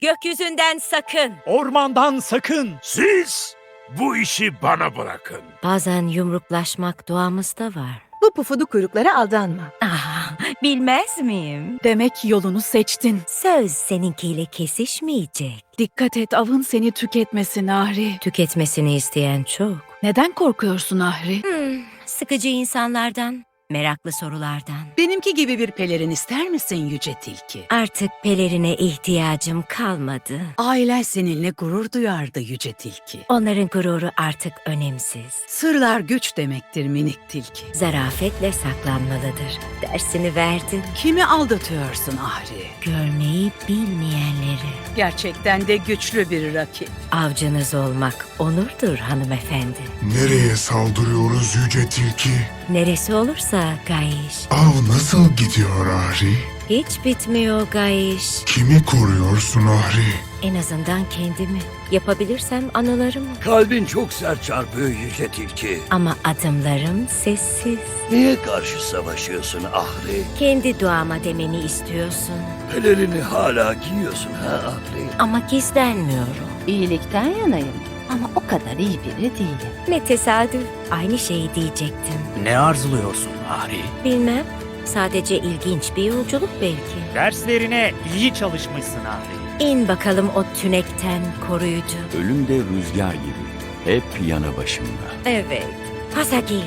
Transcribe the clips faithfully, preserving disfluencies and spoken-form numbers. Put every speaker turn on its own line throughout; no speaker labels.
Gökyüzünden sakın.
Ormandan sakın.
Siz bu işi bana bırakın.
Bazen yumruklaşmak doğamızda var.
Bu pufudu kuyruklara aldanma.
Ah, bilmez miyim?
Demek yolunu seçtin.
Söz seninkiyle kesişmeyecek.
Dikkat et, avın seni tüketmesin Ahri.
Tüketmesini isteyen çok.
Neden korkuyorsun Ahri?
Hmm, sıkıcı insanlardan, meraklı sorulardan.
Benimki gibi bir pelerin ister misin yüce tilki?
Artık pelerine ihtiyacım kalmadı.
Ailen seninle gurur duyardı yüce tilki.
Onların gururu artık önemsiz.
Sırlar güç demektir minik tilki.
Zarafetle saklanmalıdır. Dersini verdin.
Kimi aldatıyorsun Ahri?
Görmeyi bilmeyenleri.
Gerçekten de güçlü bir rakip.
Avcınız olmak onurdur hanımefendi.
Nereye saldırıyoruz yüce tilki?
Neresi olursa Gayiş.
Av nasıl gidiyor Ahri?
Hiç bitmiyor Gayiş.
Kimi koruyorsun Ahri?
En azından kendimi. Yapabilirsem anılarımı.
Kalbin çok sert çarpıyor yüce tilki.
Ama adımlarım sessiz.
Niye karşı savaşıyorsun Ahri?
Kendi duama demeni istiyorsun.
Pelerini hala giyiyorsun ha Ahri?
Ama gizlenmiyorum.
İyilikten yanayım ama o kadar iyi biri değilim.
Ne tesadüf. Aynı şeyi diyecektim.
Ne arzuluyorsun Ahri?
Bilmem. Sadece ilginç bir yolculuk belki.
Derslerine iyi çalışmışsın Ahri.
İn bakalım o tünekten koruyucu.
Ölüm de rüzgar gibi, hep yanı başımda.
Evet. Pasagi.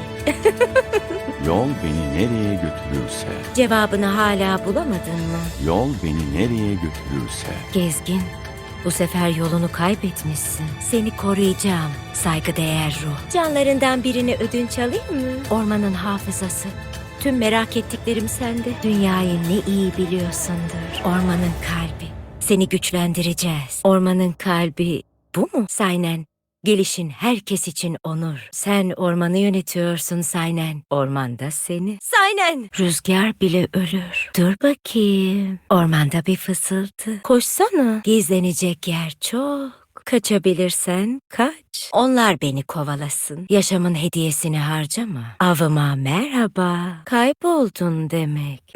Yol beni nereye götürürse,
Cevabını hala bulamadın mı?
yol beni nereye götürürse.
Gezgin. Bu sefer yolunu kaybetmişsin. Seni koruyacağım. Saygıdeğer ruh. Canlarından birini ödünç alayım mı? Ormanın hafızası. Tüm merak ettiklerim sende. Dünyayı ne iyi biliyorsundur. Ormanın kalbi. Seni güçlendireceğiz. Ormanın kalbi bu mu Saynen? Gelişin herkes için onur. Sen ormanı yönetiyorsun Saynen. Ormanda seni. Saynen! Rüzgar bile ölür. Dur bakayım. Ormanda bir fısıltı. Koşsana. Gizlenecek yer çok. Kaçabilirsen kaç. Onlar beni kovalasın. Yaşamın hediyesini harcama. Avıma merhaba. Kayboldun demek.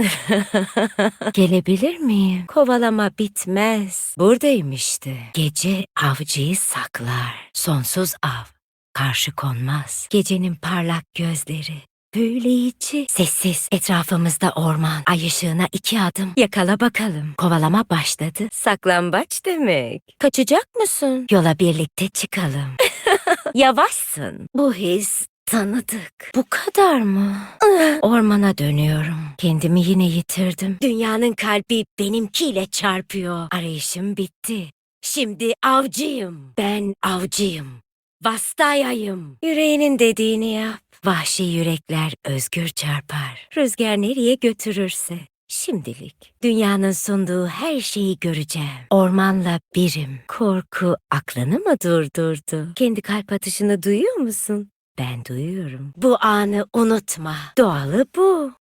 Gelebilir miyim? Kovalama bitmez. Buradayım işte. Gece avcıyı saklar. Sonsuz av. Karşı konmaz. Gecenin parlak gözleri. Büyüleyici. Sessiz. Etrafımızda orman. Ay ışığına iki adım. Yakala bakalım. Kovalama başladı. Saklambaç demek. Kaçacak mısın? Yola birlikte çıkalım. Yavaşsın. Bu his tanıdık. Bu kadar mı? Ormana dönüyorum. Kendimi yine yitirdim. Dünyanın kalbi benimkiyle çarpıyor. Arayışım bitti. Şimdi avcıyım. Ben avcıyım. Vastayayım. Yüreğinin dediğini yap. Vahşi yürekler özgür çarpar. Rüzgar nereye götürürse. Şimdilik dünyanın sunduğu her şeyi göreceğim. Ormanla birim. Korku aklını mı durdurdu? Kendi kalp atışını duyuyor musun? Ben duyuyorum. Bu anı unutma. Doğalı bu.